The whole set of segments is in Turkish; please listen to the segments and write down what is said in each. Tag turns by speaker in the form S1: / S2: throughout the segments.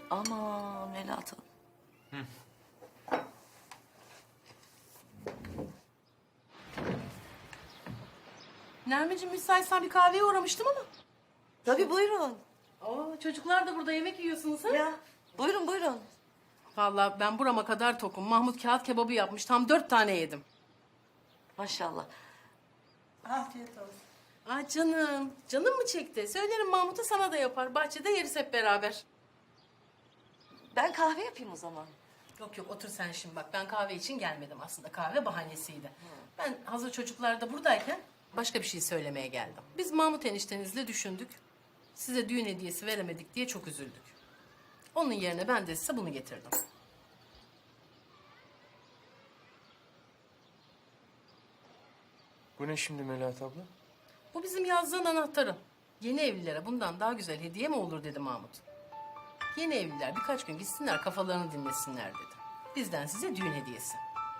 S1: Aman Melahat Hanım.
S2: Nermin'cim müsaitsen bir kahveye uğramıştım ama.
S1: Tabii buyurun.
S2: Oo, çocuklar da burada yemek yiyorsunuz ha?
S1: Ya buyurun buyurun.
S2: Vallahi ben burama kadar tokum. Mahmut kağıt kebabı yapmış. Tam 4 tane yedim.
S1: Maşallah.
S3: Afiyet olsun.
S2: Aa canım. Canım mı çekti? Söylerim Mahmut'a, sana da yapar. Bahçede yeriz hep beraber.
S1: Ben kahve yapayım o zaman.
S2: Yok yok, otur sen şimdi bak. Ben kahve için gelmedim aslında. Kahve bahanesiydi. Ben hazır çocuklar da buradayken başka bir şey söylemeye geldim. Biz Mahmut eniştenizle düşündük. Size düğün hediyesi veremedik diye çok üzüldük. Onun yerine ben de size bunu getirdim.
S4: Bu ne şimdi Melahat abla?
S2: Bu bizim yazdığın anahtarı. Yeni evlilere bundan daha güzel hediye mi olur dedi Mahmut. Yeni evliler birkaç gün gitsinler, kafalarını dinlesinler dedi. Bizden size düğün hediyesi.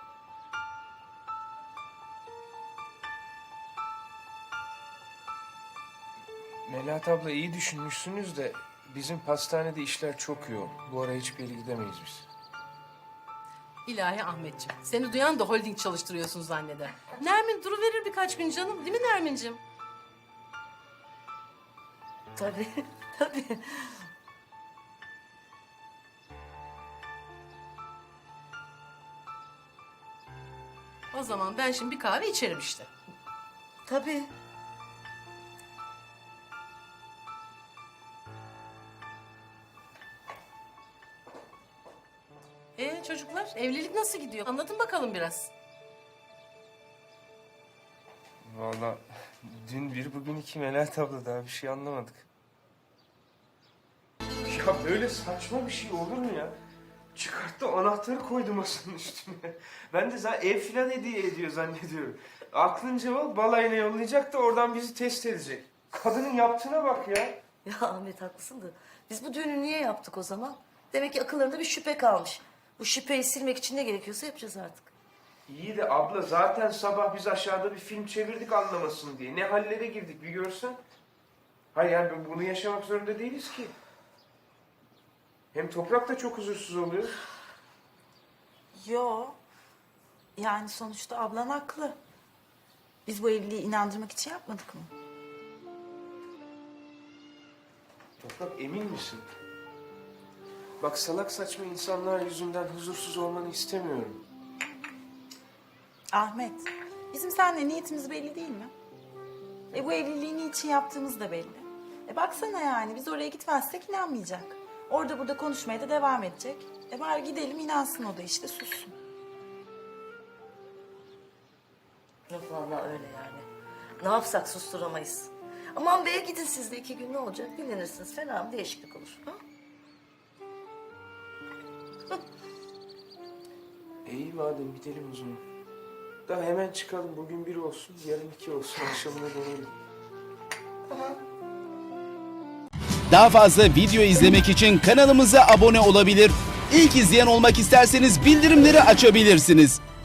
S4: Melahat abla iyi düşünmüşsünüz de bizim pastanede işler çok yoğun. Bu ara hiçbir yere gidemeyiz biz.
S2: İlahi Ahmetciğim, seni duyan da holding çalıştırıyorsun zanneder. Nermin duruverir birkaç gün canım, değil mi Nermin'cim?
S1: Tabii tabii.
S2: O zaman ben şimdi bir kahve içerim işte.
S1: Tabii.
S2: Çocuklar, evlilik nasıl gidiyor? Anlatın bakalım biraz.
S4: Vallahi dün bir bugün iki Melahat abla, daha bir şey anlamadık. Ya böyle saçma bir şey olur mu ya? Çıkarttı anahtarı koydu masanın üstüne. Ben de zaten ev filan hediye ediyor zannediyorum. Aklınca o balayına yollayacak da oradan bizi test edecek. Kadının yaptığına bak ya.
S1: Ya Ahmet haklısın da biz bu düğünü niye yaptık o zaman? Demek ki akıllarında bir şüphe kalmış. Bu şüpheyi silmek için ne gerekiyorsa yapacağız artık.
S4: İyi de abla zaten sabah biz aşağıda bir film çevirdik anlamasın diye. Ne hallere girdik bir görsen. Hayır yani bunu yaşamak zorunda değiliz ki. Hem Toprak da çok huzursuz oluyor.
S3: Yo. Yani sonuçta ablan haklı. Biz bu evliliği inandırmak için yapmadık mı?
S4: Toprak emin misin? Bak salak saçma insanlar yüzünden huzursuz olmanı istemiyorum.
S3: Ahmet, bizim seninle niyetimiz belli değil mi? Bu evliliği niçin yaptığımız da belli. Baksana yani biz oraya gitmezsek inanmayacak. Orada burada konuşmaya da devam edecek. Bari gidelim inansın, o da işte sussun.
S1: Yok vallahi öyle yani. Ne yapsak susturamayız. Aman beye gidin siz de 2 gün, ne olacak? Dinlenirsiniz. Fena mı değişiklik olur. Ha?
S4: İyi madem gidelim o zaman. Daha hemen çıkalım. Bugün 1 olsun, yarın 2 olsun. Akşamına dönelim.
S5: Daha fazla video izlemek için kanalımıza abone olabilir. İlk izleyen olmak isterseniz bildirimleri açabilirsiniz.